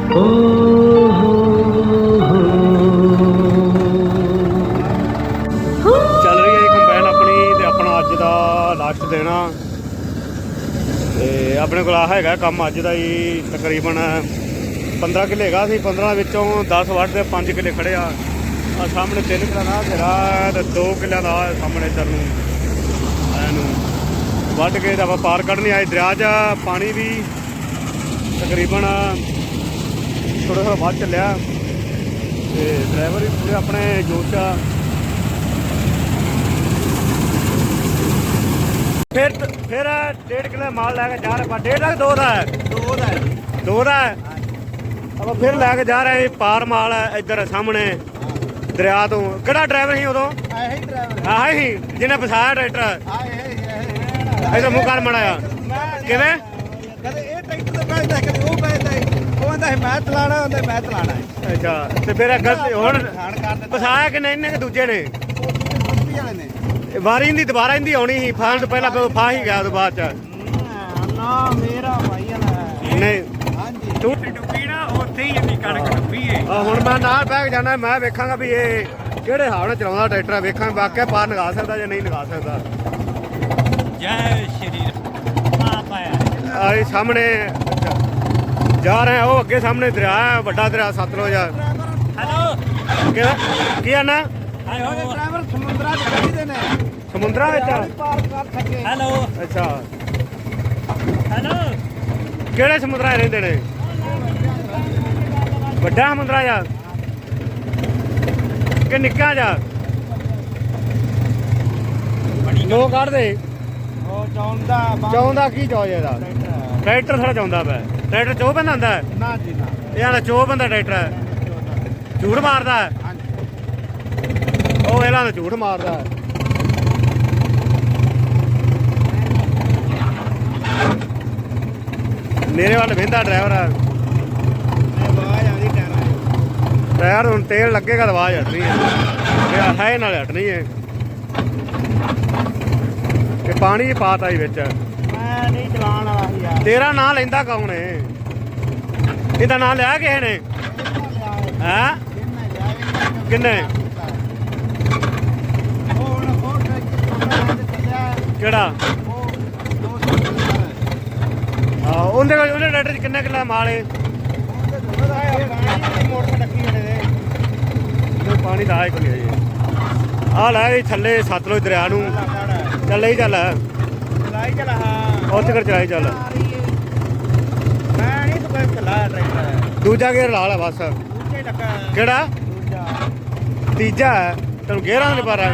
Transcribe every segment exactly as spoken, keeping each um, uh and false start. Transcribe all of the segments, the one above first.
ਚੱਲ ਰਹੀ ਹੈ ਕੰਬਾਈਨ ਆਪਣੀ ਤੇ ਆਪਣਾ ਅੱਜ ਦਾ ਲਾਸਟ ਦਿਨ ਆ ਤੇ ਆਪਣੇ ਕੋਲ ਆ ਹੈਗਾ ਕੰਮ ਅੱਜ ਦਾ ਹੀ ਤਕਰੀਬਨ ਪੰਦਰਾਂ ਕਿੱਲੇ ਹੈਗਾ ਸੀ। ਪੰਦਰਾਂ ਵਿੱਚੋਂ ਦਸ ਵੱਢ ਦੇ ਪੰਜ ਕਿੱਲੇ ਖੜੇ ਆ। ਆ ਸਾਹਮਣੇ ਤਿੰਨ ਕਿੱਲਾ ਦਾ ਘੇਰਾ ਤੇ ਦੋ ਕਿੱਲਿਆਂ ਦਾ ਸਾਹਮਣੇ ਇੱਧਰ ਨੂੰ ਇਹਨੂੰ ਵੱਢ ਕੇ ਤਾਂ ਆਪਾਂ ਪਾਰ ਕੱਢਣੀ ਆਏ ਦਰਿਆ 'ਚ। ਪਾਣੀ ਵੀ ਤਕਰੀਬਨ ਥੋੜ੍ਹਾ ਥੋੜ੍ਹਾ ਵੱਧ ਚੱਲਿਆ ਤੇ ਡਰਾਈਵਰ ਵੀ ਪੂਰੇ ਆਪਣੇ ਜੋਸ਼ ਆ। ਫਿਰ ਫਿਰ ਡੇਢ ਕਿੱਲੇ ਮਾਲ ਲੈ ਕੇ ਜਾ ਰਹੇ ਆਪਾਂ। ਡੇਢ ਲੱਖ ਦੋ ਦਾ ਹੈ ਦੋ ਦਾ ਹੈ ਦੋ ਦਾ ਹੈ ਆਪਾਂ ਫਿਰ ਲੈ ਕੇ ਜਾ ਰਹੇ ਪਾਰ ਮਾਲ ਹੈ ਇੱਧਰ ਸਾਹਮਣੇ ਦਰਿਆ ਤੋਂ। ਕਿਹੜਾ ਡਰਾਈਵਰ ਸੀ ਉਦੋਂ? ਆਹ ਹੀ ਡਰਾਈਵਰ ਆਹ ਹੀ ਜਿਹਨੇ ਫਸਾਇਆ ਟਰੈਕਟਰ। ਆਹ ਇਹ ਇਹਦਾ ਮੂੰਹ ਕਰ ਮੜਾਇਆ ਕਿਵੇਂ? ਕਦੇ ਇਹ ਟਰੈਕਟਰ ਤੇ ਬੈਠਦਾ ਕਦੇ ਉਹ ਬੈਠਦਾ ਉਹ ਕਹਿੰਦਾ ਮੈਂ ਚਲਾਣਾ ਹੁੰਦਾ ਮੈਂ ਚਲਾਣਾ ਹੈ। ਅੱਛਾ ਤੇ ਫਿਰ ਗਲਤੀ ਹੁਣ ਖਾਣ ਕਰ ਦਿੱਤਾ ਫਸਾਇਆ ਕਿ ਨਹੀਂ ਇਹਨੇ ਕਿ ਦੂਜੇ ਨੇ? ਉਹ ਦੂਜੇ ਵਾਲੇ ਨੇ ਇਹ ਵਾਰੀ ਇਹਦੀ ਦੁਬਾਰਾ ਇਹਦੀ ਆਉਣੀ ਸੀ। ਫਾਣ ਤੋਂ ਪਹਿਲਾਂ ਫਾ ਹੀ ਗਿਆ ਉਹ ਤੋਂ ਬਾਅਦ ਚ। ਨਾ ਮੇਰਾ ਭਾਈ ਵਾਲਾ ਨਹੀਂ ਹਾਂਜੀ ਤੂੰ ਡੁੱਬੀ ਨਾ ਉੱਥੇ ਹੀ ਇੰਨੀ ਕਣਕ ਡੁੱਬੀ ਏ। ਆ ਹੁਣ ਮੈਂ ਨਾਲ ਬਹਿ ਕੇ ਜਾਣਾ। ਮੈਂ ਵੇਖਾਂਗਾ ਵੀ ਇਹ ਕਿਹੜੇ ਹਿਸਾਬ ਨਾਲ ਚਲਾਉਂਦਾ ਟਰੈਕਟਰ। ਵੇਖਾਂ ਵਾਕਿਆ ਪਾਰ ਨਗਾ ਸਕਦਾ ਜਾਂ ਨਹੀਂ ਨਗਾ ਸਕਦਾ। ਜੈ ਸ਼੍ਰੀ ਰਾਮ ਆਇਆ ਆ ਇਹ ਸਾਹਮਣੇ ਜਾ ਰਹੇ ਆ। ਉਹ ਅੱਗੇ ਸਾਹਮਣੇ ਦਰਿਆ ਹੈ, ਵੱਡਾ ਦਰਿਆ ਸਤਲੁਜ। ਹੈਲੋ ਕਿਹੜਾ ਕੀ ਆਣਾ? ਆਏ ਹੋਏ ਡਰਾਈਵਰ ਸਮੁੰਦਰਾਂ ਚ ਖੜੀਦੇ ਨੇ ਸਮੁੰਦਰਾਂ ਵਿੱਚ ਪਾਰ ਕਰ ਸਕੇ। ਹੈਲੋ ਅੱਛਾ ਹੈਲੋ ਕਿਹੜੇ ਸਮੁੰਦਰਾਂ 'ਚ ਰਹਿੰਦੇ ਨੇ? ਵੱਡਾ ਸਮੁੰਦਰਾ ਜਾ ਕਿ ਨਿੱਕਾ ਜਾ? ਨੋ ਕੱਢਦੇ ਉਹ ਚਾਹੁੰਦਾ ਚਾਹੁੰਦਾ ਕੀ ਚਾਹ ਇਹਦਾ? ਟਰੈਕਟਰ ਸਾਡਾ ਚਾਹੁੰਦਾ ਪਿਆ। ਟਰੈਕਟਰ ਚੋ ਬੰਦਾ ਹੁੰਦਾ ਨਾ ਜੀ ਨਾ ਇਹ ਆਂਦਾ ਚੋ ਬੰਦਾ ਟਰੈਕਟਰ ਝੂਠ ਮਾਰਦਾ। ਉਹ ਇਹਨਾਂ ਦਾ ਝੂਠ ਮਾਰਦਾ। ਮੇਰੇ ਵੱਲ ਵਹਿੰਦਾ ਡਰਾਈਵਰ। ਆਵਾਜ਼ ਆਉਂਦੀ ਟਾਇਰਾਂ ਟਾਇਰ ਹੁਣ ਤੇਲ ਲੱਗੇਗਾ ਤਾਂ ਆਵਾਜ਼ ਹਟਣੀ ਹੈ। ਹੈ ਨਾਲ ਹਟਣੀ ਹੈ। ਇਹ ਪਾਣੀ ਪਾਤਾ ਹੀ ਵਿੱਚ। ਮੈਂ ਨਹੀਂ ਚਲਾਉਣ ਵਾਲਾ ਸੀ ਯਾਰ। ਤੇਰਾ ਨਾਂ ਲੈਂਦਾ ਕੌਣ ਏ? ਇਹਦਾ ਨਾਂ ਲਿਆ ਕਿਸੇ ਨੇ? ਹੈਂ ਕਿੰਨੇ? ਕਿਹੜਾ? ਹਾਂ ਉਹਦੇ ਕੋਲ ਉਹਦੇ ਟਰੈਕਟਰ 'ਚ ਕਿੰਨੇ ਕਿੱਲਾ ਮਾਲ ਏ? ਪਾਣੀ ਦਾ ਹੈ ਕੋਈ ਆ ਲੈ ਵੀ ਥੱਲੇ ਸਤਲੁਜ ਦਰਿਆ ਨੂੰ ਚੱਲ ਹੀ ਚੱਲ ਚਲਾਈ ਚਲਾ ਹਾਂ ਉੱਥੇ ਕਰ ਚਲਾਈ ਚੱਲ। ਮੈਂ ਨਹੀਂ ਤੂੰ ਚਲਾਇਆ ਟਰੈਕਟਰ ਦੂਜਾ ਗੇਅਰ ਲਾ ਲੈ ਬਸ। ਦੂਜੇ ਲੱਗਾ ਕਿਹੜਾ? ਦੂਜਾ ਤੀਜਾ ਹੈ ਤੈਨੂੰ ਗੇਅਰਾਂ ਨਹੀਂ ਪਾ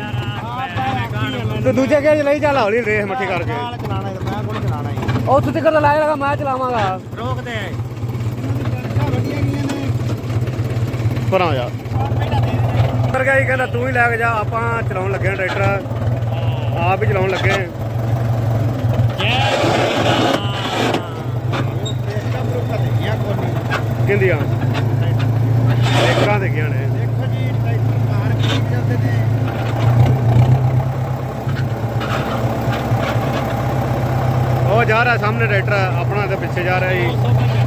ਤੇ ਦੂਜੇ ਗੇਅਰ 'ਚ ਲਈ ਚੱਲ ਹੌਲੀ ਰੇਸ ਮੱਠੀ ਕਰਕੇ। ਨਾਲ ਚਲਾਣਾ ਮੈਂ ਕੋਲ ਚਲਾਣਾ ਹੀ ਉੱਥੇ ਤੱਕ ਲਾਇਆ ਲਗਾ ਮੈਂ ਚਲਾਵਾਂਗਾ। ਰੋਕਦੇ ਪਰਾਂ ਜਾ ਪਰ ਗਿਆ ਹੀ ਕਹਿੰਦਾ ਤੂੰ ਹੀ ਲੈ ਕੇ ਜਾ। ਆਪਾਂ ਚਲਾਉਣ ਲੱਗੇ ਹਾਂ ਟਰੈਕਟਰ ਆਪ ਹੀ ਚਲਾਉਣ ਲੱਗੇ। ਕਿੰਦੀਆਂ ਟਰੈਕਟਰਾਂ ਦੇ ਗਿਆ ਨੇ। ਦੇਖੋ ਜੀ ਟਰੈਕਟਰ ਕਾਰ ਕੀ ਜਾਂਦੇ ਨੇ। ਉਹ ਜਾ ਰਿਹਾ ਸਾਹਮਣੇ ਟਰੈਕਟਰ ਆਪਣਾ ਤੇ ਪਿੱਛੇ ਜਾ ਰਿਹਾ ਜੀ।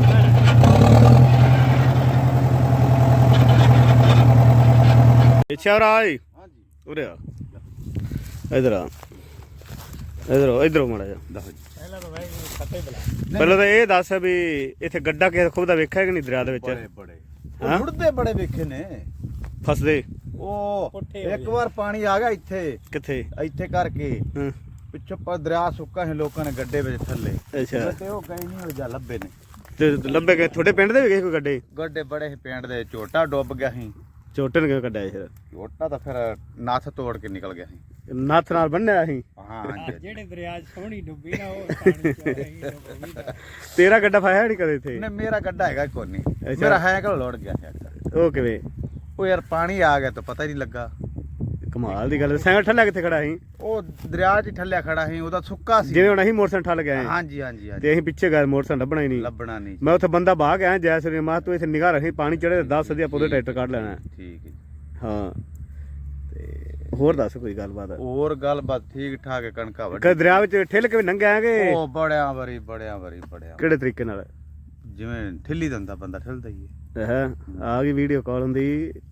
ਪਿੱਛੇ ਆ ਰਹਾ ਜੀ। ਉਰੇ ਆ ਇਧਰ ਆ ਇਧਰ ਇਧਰ ਮਾੜਾ ਜਾ। ਪਹਿਲਾਂ ਤਾਂ ਭਾਈ ਖੱਤੇ ਬਲਾ ਪਹਿਲਾਂ ਤਾਂ ਇਹ ਦੱਸ ਵੀ ਇੱਥੇ ਗੱਡਾ ਕਿਸੇ ਖੁਦ ਦਾ ਵੇਖਿਆ ਕਿ ਨਹੀਂ ਦਰਿਆ ਦੇ ਵਿੱਚ? ਬੜੇ ਬੜੇ ਹਾਂ ਮੁੜਦੇ ਬੜੇ ਵੇਖੇ ਨੇ ਫਸਦੇ। ਉਹ ਇੱਕ ਵਾਰ ਪਾਣੀ ਆ ਗਿਆ ਇੱਥੇ ਕਿੱਥੇ? ਇੱਥੇ ਕਰਕੇ ਹਾਂ ਪਿੱਛੋਂ ਪਰ ਦਰਿਆ ਸੁੱਕਾ ਸੀ ਲੋਕਾਂ ਨੇ ਗੱਡੇ ਵਿੱਚ ਥੱਲੇ ਅੱਛਾ ਤੇ ਉਹ ਗਏ ਨਹੀਂ ਹੋ ਜਾ ਲੱਭੇ ਨੇ। ਤੇ ਲੱਭੇ ਗਏ ਤੁਹਾਡੇ ਪਿੰਡ ਦੇ ਵੀ ਗਏ ਕੋਈ ਗੱਡੇ? ਗੱਡੇ ਬੜੇ ਸੀ ਪਿੰਡ ਦੇ ਝੋਟਾ ਡੁੱਬ ਗਿਆ ਸੀ। ਛੋਟੇ ਨੇ ਕਿਉਂ ਕੱਢਿਆ ਫਿਰ? ਝੋਟਾ ਤਾਂ ਫਿਰ ਨੱਥ ਤੋੜ ਕੇ ਨਿਕਲ ਗਿਆ ਸੀ। ਨੱਥ ਨਾਲ ਬੰਨਿਆ ਸੀ। ਹਾਂ ਜਿਹੜੇ ਦਰਿਆ 'ਚ ਸੋਹਣੀ ਡੁੱਬੀ ਨਾ ਉਹ ਪਾਣੀ 'ਚ ਰਹੀ ਡੁੱਬੀ ਦਾ। ਤੇਰਾ ਗੱਡਾ ਫਾਇਆ ਨਹੀਂ ਕਦੇ ਇੱਥੇ? ਨਹੀਂ ਮੇਰਾ ਗੱਡਾ ਹੈਗਾ ਕੋਈ ਨਹੀਂ। ਅੱਛਾ। ਮੇਰਾ ਹੈਕਲ ਲੋੜ ਗਿਆ ਹੈ। ਉਹ ਕਿਵੇਂ? ਉਹ ਯਾਰ ਪਾਣੀ ਆ ਗਿਆ ਤਾਂ ਪਤਾ ਹੀ ਨਹੀਂ ਲੱਗਾ। ਕਮਾਲ ਦੀ ਗੱਲ। ਸਾਈਕਲ ਠੱਲਿਆ ਕਿੱਥੇ ਖੜਾ ਸੀ? ਉਹ ਦਰਿਆ 'ਚ ਠੱਲਿਆ ਖੜਾ ਸੀ ਉਹਦਾ ਸੁੱਕਾ ਸੀ। ਜਿਵੇਂ ਹੁਣ ਅਸੀਂ ਮੋਟਰਸਾਈਕਲ ਠੱਲ ਗਏ ਹਾਂਜੀ ਹਾਂਜੀ ਹਾਂਜੀ ਤੇ ਅਸੀਂ ਪਿੱਛੇ ਗਏ ਮੋਟਰਸਾਈਕਲ ਲੱਭਣਾ ਹੀ ਨਹੀਂ। ਲੱਭਣਾ ਨਹੀਂ। ਮੈਂ ਉੱਥੇ ਬੰਦਾ ਬਾਹ ਗਿਆ ਜੈ ਸ੍ਰੀ ਮਾਂ ਤੂੰ ਇੱਥੇ ਨਿਗਾਹ ਰੱਖੀ ਪਾਣੀ ਚੜੇ ਦਸ ਦੀ ਆਪਾਂ ਉਹਦੇ ਟਰੈਕਟਰ ਕੱਢ ਲੈਣਾ। ਠੀਕ ਹੈ ਹਾਂ ਤੇ ਹੋਰ ਦੱਸ ਕੋਈ ਗੱਲਬਾਤ? ਹੋਰ ਗੱਲਬਾਤ ਠੀਕ ਠਾਕ ਹੈ। ਕਣਕਾਂ ਵੱਢ ਕਿ ਦਰਿਆ ਵਿੱਚ ਠਿੱਲ ਕੇ ਵੀ ਲੰਘਿਆ ਕਿ ਉਹ ਬੜਿਆਂ ਵਾਰੀ ਬੜਿਆਂ ਵਾਰੀ ਬੜਿਆਂ ਕਿਹੜੇ ਤਰੀਕੇ ਨਾਲ? ਜਿਵੇਂ ਠਿੱਲੀ ਦਿੰਦਾ ਬੰਦਾ ਠਿੱਲਦਾ ਹੀ ਹੈ। ਹੈ ਆ ਗਈ ਵੀਡੀਓ ਕਾਲ ਹੁੰਦੀ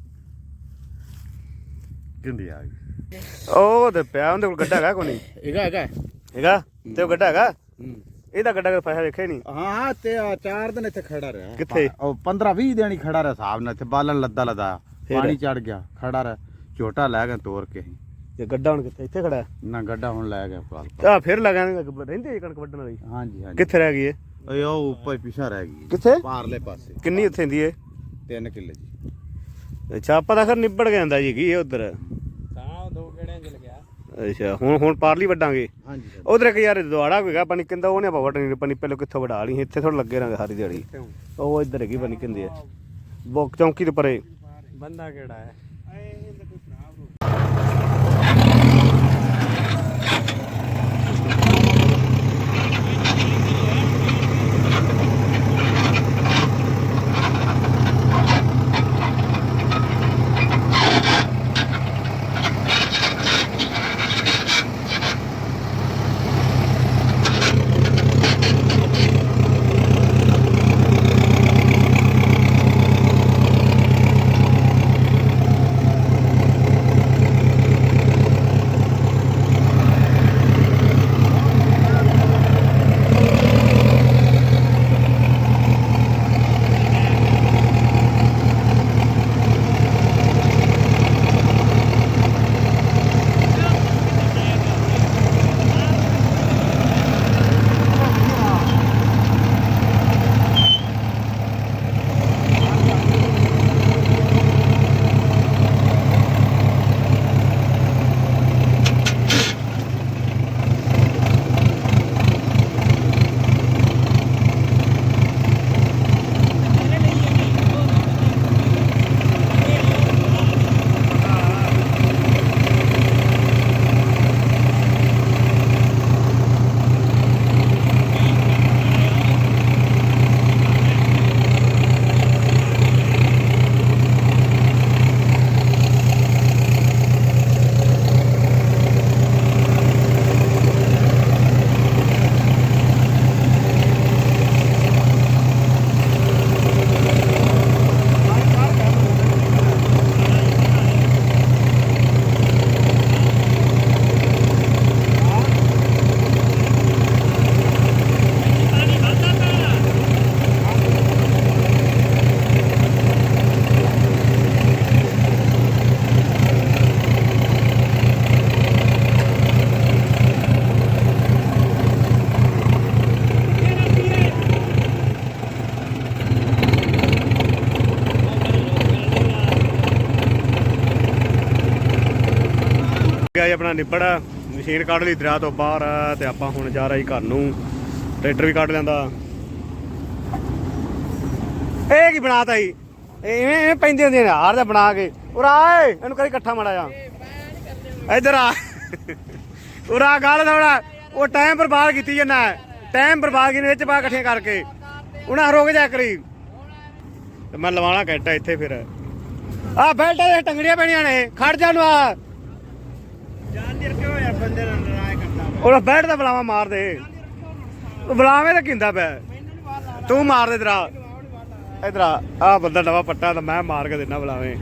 ਕਿੰਦੀ ਆ ਗਈ ਉਹ ਤੇ ਪਿਆ ਉਹਦੇ ਕੋਲ ਗੱਡਾ ਹੈਗਾ ਕੋਈ ਨਹੀਂ ਹੈਗਾ ਹੈਗਾ ਹੈਗਾ ਤੇ ਉਹ ਗੱਡਾ ਹੈਗਾ ਇਹਦਾ ਗੱਡਾ ਕੋਈ ਪੈਸਾ ਵੇਖਿਆ ਨਹੀਂ ਹਾਂ ਤੇ ਆਹ ਚਾਰ ਦਿਨ ਇੱਥੇ ਖੜਾ ਰਿਹਾ ਕਿੱਥੇ? ਉਹ ਪੰਦਰਾਂ ਵੀਹ ਦਿਨ ਹੀ ਖੜਾ ਰਿਹਾ ਹਿਸਾਬ ਨਾਲ ਇੱਥੇ ਬਾਲਣ ਲੱਦਾ ਲਦਾ ਫਿਰ? ਪਾਣੀ ਚੜ ਗਿਆ ਖੜਾ ਰਿਹਾ ਝੋਟਾ ਲੈ ਕੇ ਤੋੜ ਕੇ ਅਸੀਂ। ਤੇ ਗੱਡਾ ਹੁਣ ਕਿੱਥੇ ਇੱਥੇ ਖੜਾ ਨਾ ਗੱਡਾ ਹੁਣ ਲੈ ਗਿਆ ਪਾਲ ਆ ਫਿਰ ਲਗਾਣੇ ਰਹਿੰਦੇ ਕਣਕ ਵੱਢਣ ਵਾਲੀ ਹਾਂਜੀ ਹਾਂਜੀ ਕਿੱਥੇ ਰਹਿ ਗਈ ਇਹ ਓਏ ਉਹ ਉੱਪਰ ਪਿਛਾ ਰਹਿ ਗਈ ਕਿੱਥੇ ਪਾਰਲੇ ਪਾਸੇ ਕਿੰਨੀ ਉੱਥੇ ਹੁੰਦੀ ਏ ਤਿੰਨ ਕਿੱਲੇ ਜੀ ਅੱਛਾ ਆਪਾਂ ਤਾਂ ਖਰ ਨਿਬੜ ਗਿਆ ਹੁੰਦਾ ਜੀ ਕੀ ਇਹ ਉਧਰ ਤਾਂ ਦੋ ਗੇੜਿਆਂ ਚ ਲੱਗਿਆ ਅੱਛਾ ਹੁਣ ਹੁਣ ਪਾਰਲੀ ਵੱਡਾਂਗੇ ਹਾਂਜੀ ਉਧਰ ਇੱਕ ਯਾਰ ਦੁਆੜਾ ਹੋਏਗਾ ਪਾਣੀ ਕਿੰਦਾ ਉਹਨੇ ਆਪਾਂ ਵੱਢਣੀ ਪਾਣੀ ਪਹਿਲਾਂ ਕਿੱਥੋਂ ਵਡਾ ਲਈ ਇੱਥੇ ਥੋੜਾ ਲੱਗੇ ਰਾਂਗੇ ਸਾਰੀ ਦਿਹਾੜੀ ਉਹ ਇੱਧਰ ਹੈਗੀ ਪਾਣੀ ਕਿੰਦੇ ਆ ਬੋਕ ਚੌਂਕੀ ਦੇ ਪਰੇ ਬੰਦਾ ਕਿਹੜਾ ਹੈ ਗਿਆ ਜੀ ਆਪਣਾ ਨਿਬੜ ਮਸ਼ੀਨ ਕੱਢ ਲਈ ਦਰਿਆ ਤੋਂ ਬਾਹਰ ਤੇ ਆਪਾਂ ਹੁਣ ਜਾ ਰਹੇ ਘਰ ਨੂੰ ਟਰੈਕਟਰ ਵੀ ਕੱਢ ਲੈਂਦਾ ਇਹ ਕੀ ਬਣਾਤਾ ਜੀ ਇਵੇਂ ਇਵੇਂ ਪੈਂਦੀਆਂ ਹੁੰਦੀਆਂ ਨੇ ਹਾਰ ਦਾ ਬਣਾ ਕੇ ਉਰਾ ਏ ਇਹਨੂੰ ਕਰੀ ਇਕੱਠਾ ਮਾੜਾ ਜਾ ਇੱਧਰ ਆ ਉਰਾ ਗੱਲ ਥੋੜਾ ਉਹ ਟਾਈਮ ਬਰਬਾਦ ਕੀਤੀ ਜਾਂਦਾ ਟਾਈਮ ਬਰਬਾਦ ਕੀਤੀ ਵਿੱਚ ਪਾ ਇਕੱਠੀਆਂ ਕਰਕੇ ਉਹਨਾਂ ਰੋਕ ਜਾ ਕਰੀ ਤੇ ਮੈਂ ਲਵਾਣਾ ਕੈਟਾ ਇੱਥੇ ਫਿਰ ਆ ਬੈਲਟ ਦੇ ਟੰਗੜੀਆਂ ਪੈਣੀਆਂ ਨੇ ਖੜ ਜਾ ਨੂੰ ਆ ਉਹ ਬੈਠ ਦਾ ਬਲਾਵਾ ਮਾਰ ਦੇ ਬਲਾਵੇਂ ਤਾਂ ਕਿੰਦਾ ਪਿਆ ਤੂੰ ਮਾਰ ਦੇ ਤੇਰਾ ਇਧਰ ਆ ਬੰਦਾ ਨਵਾਂ ਪੱਟਾ ਤਾਂ ਮੈਂ ਮਾਰ ਕੇ ਦੇਣਾ ਬਲਾਵੇਂ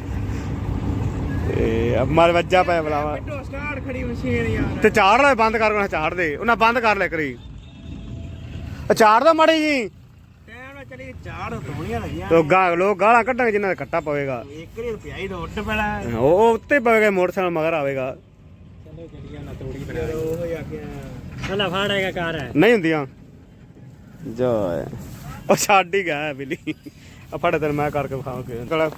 ਇਹ ਮਾਰ ਵੱਜਾ ਪਿਆ ਬਲਾਵਾ ਸਟਾਰਟ ਖੜੀ ਮਸ਼ੀਨ ਯਾਰ ਤੇ ਝਾੜ ਲੈ ਬੰਦ ਕਰ ਉਹਨਾਂ ਝਾੜ ਦੇ ਉਹਨਾਂ ਬੰਦ ਕਰ ਲੈ ਕਰੀ ਝਾੜ ਦਾ ਮਾੜੀ ਜੀ ਟਾਈਮ ਨਾਲ ਚਲੀ ਝਾੜ ਧੋਣੀਆਂ ਲੱਗੀਆਂ ਤੋ ਗਾ ਲੋਕ ਗਾਲਾਂ ਕੱਢਾਂਗੇ ਜਿਨ੍ਹਾਂ ਦਾ ਕੱਟਾ ਪਵੇਗਾ ਇੱਕ ਰੁਪਿਆ ਹੀ ਰੋਟ ਪੈਣਾ ਉਹ ਉੱਤੇ ਪਵੇਗਾ ਮੋਟਰਸਾਈਕਲ ਮਗਰ ਆਵੇਗਾ ਚਲੋ ਗੱਡੀਆਂ ਨਾ ਤੋੜੀ ਬਣਾ ਉਹ ਹੀ ਆ ਗਿਆ ਹਲਾ ਫਾੜੇਗਾ ਕਾਰ ਹੈ ਨਹੀਂ ਹੁੰਦੀਆਂ ਜੋ ਉਹ ਛੱਡ ਹੀ ਗਿਆ ਬਿੱਲੀ ਆ ਫੜ ਤੈਨੂੰ ਮੈਂ ਕਰਕੇ ਵਿਖਾਉਂ ਕੇ ਚਲ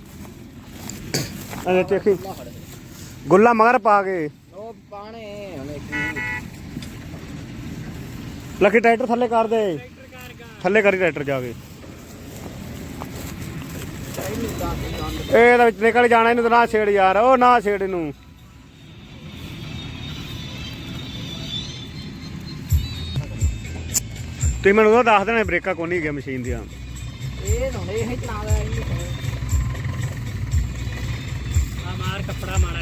ਅਰੇ ਚੇਖੀ ਗੁੱਲਾ ਮਗਰ ਪਾ ਕੇ ਉਹ ਪਾਣੇ ਹਲੇ ਕੀ ਲੱਕੀ ਟਰੈਕਟਰ ਥੱਲੇ ਕਰ ਦੇ ਥੱਲੇ ਕਰੀ ਟਰੈਕਟਰ ਜਾ ਕੇ ਇਹ ਇਹਦੇ ਵਿੱਚ ਨਿਕਲ ਜਾਣਾ ਇਹਨੂੰ ਤਾਂ ਨਾ ਛੇੜ ਯਾਰ ਉਹ ਨਾ ਛੇੜ ਇਹਨੂੰ ਤੁਸੀਂ ਮੈਨੂੰ ਉਹ ਦੱਸ ਦੇਣਾ ਬ੍ਰੇਕਾਂ ਕੋਈ ਨਹੀਂ ਗਿਆ ਮਸ਼ੀਨ ਦੀਆਂ ਇਹ ਹੁਣ ਇਹ ਹੀ ਚਲਾਉਂਦਾ ਇਹ ਆ ਮਾਰ ਕੱਪੜਾ ਮਾਰਾ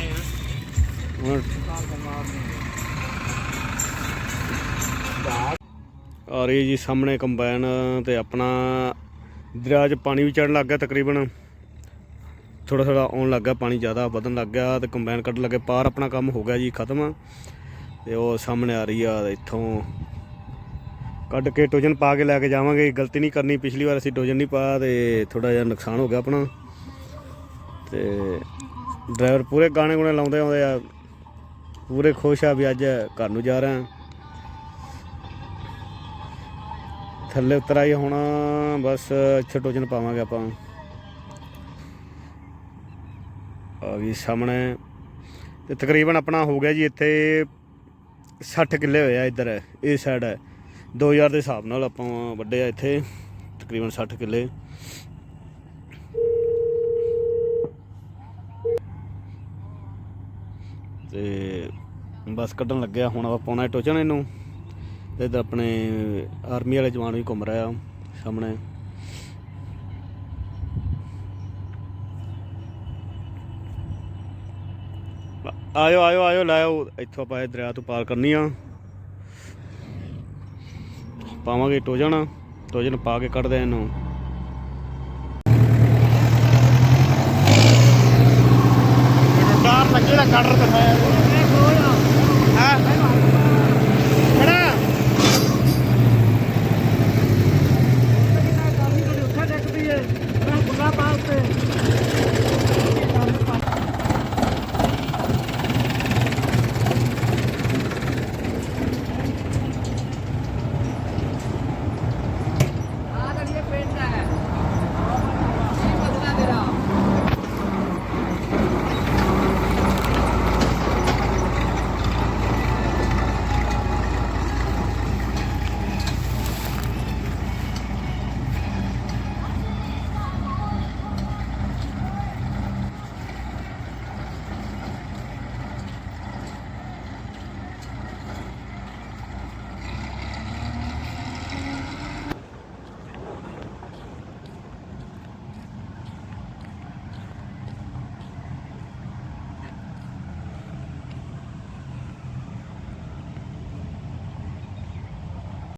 ਆ ਹੁਣ ਆ ਰਹੀ ਜੀ ਸਾਹਮਣੇ ਕੰਬਾਈਨ ਤੇ ਆਪਣਾ ਦਰਿਆ 'ਚ ਪਾਣੀ ਵੀ ਚੜ੍ਹਨ ਲੱਗ ਗਿਆ ਤਕਰੀਬਨ ਥੋੜਾ ਥੋੜਾ ਆਉਣ ਲੱਗ ਗਿਆ ਪਾਣੀ ਜ਼ਿਆਦਾ ਵਧਣ ਲੱਗ ਗਿਆ ਤੇ ਕੰਬਾਈਨ ਕੱਢਣ ਲੱਗੇ ਪਾਰ ਆਪਣਾ ਕੰਮ ਹੋ ਗਿਆ ਜੀ ਖਤਮ ਤੇ ਉਹ ਸਾਹਮਣੇ ਆ ਰਹੀ ਆ ਇੱਥੋਂ ਕੱਢ ਕੇ ਟੋਜਨ ਪਾ ਕੇ ਲੈ ਕੇ ਜਾਵਾਂਗੇ ਗਲਤੀ ਨਹੀਂ ਕਰਨੀ ਪਿਛਲੀ ਵਾਰ ਅਸੀਂ ਟੋਜਨ ਨਹੀਂ ਪਾਇਆ ਤੇ ਥੋੜਾ ਜਿਹਾ ਨੁਕਸਾਨ ਹੋ ਗਿਆ ਆਪਣਾ ਤੇ ਡਰਾਈਵਰ ਪੂਰੇ ਗਾਣੇ ਗੁਣੇ ਲਾਉਂਦੇ ਆਉਂਦੇ ਆ ਪੂਰੇ ਖੁਸ਼ ਆ ਵੀ ਅੱਜ ਘਰ ਨੂੰ ਜਾ ਰਹੇ ਥੱਲੇ ਉਤਰ ਆਈ ਹੁਣ ਬਸ ਇੱਥੇ ਟੋਜਨ ਪਾਵਾਂਗੇ ਆਪਾਂ ਆ ਵੀ ਸਾਹਮਣੇ ਤੇ ਤਕਰੀਬਨ ਆਪਣਾ ਹੋ ਗਿਆ ਜੀ ਇੱਥੇ ਸੱਠ ਕਿੱਲੇ ਹੋਏ ਆ ਇੱਧਰ ਇਸ ਸਾਈਡ ਹੈ ਦੋ ਹਜ਼ਾਰ ਦੇ ਹਿਸਾਬ ਨਾਲ ਆਪਾਂ ਵੱਡੇ ਆ ਇੱਥੇ ਤਕਰੀਬਨ ਸੱਠ ਕਿੱਲੇ ਤੇ ਬਸ ਕੱਢਣ ਲੱਗਿਆ ਹੁਣ ਆਪਾਂ ਪਾਉਣਾ ਟੋਚਣ ਇਹਨੂੰ ਤੇ ਇੱਧਰ ਆਪਣੇ ਆਰਮੀ ਵਾਲੇ ਜਵਾਨ ਵੀ ਘੁੰਮ ਰਿਹਾ ਸਾਹਮਣੇ ਆਇਓ ਆਇਓ ਆਇਓ ਲਾਇਓ ਇੱਥੋਂ ਆਪਾਂ ਦਰਿਆ ਤੋਂ ਪਾਰ ਕਰਨੀ ਆ ਪਾਵਾਂਗੇ ਟੋਜਨ ਟੋਜਨ ਪਾ ਕੇ ਕੱਢਦੇ ਇਹਨੂੰ ਡਾਰ ਲੱਗੇ ਦਾ ਕੱਢ ਦਿੰਦਾ ਹਾਂ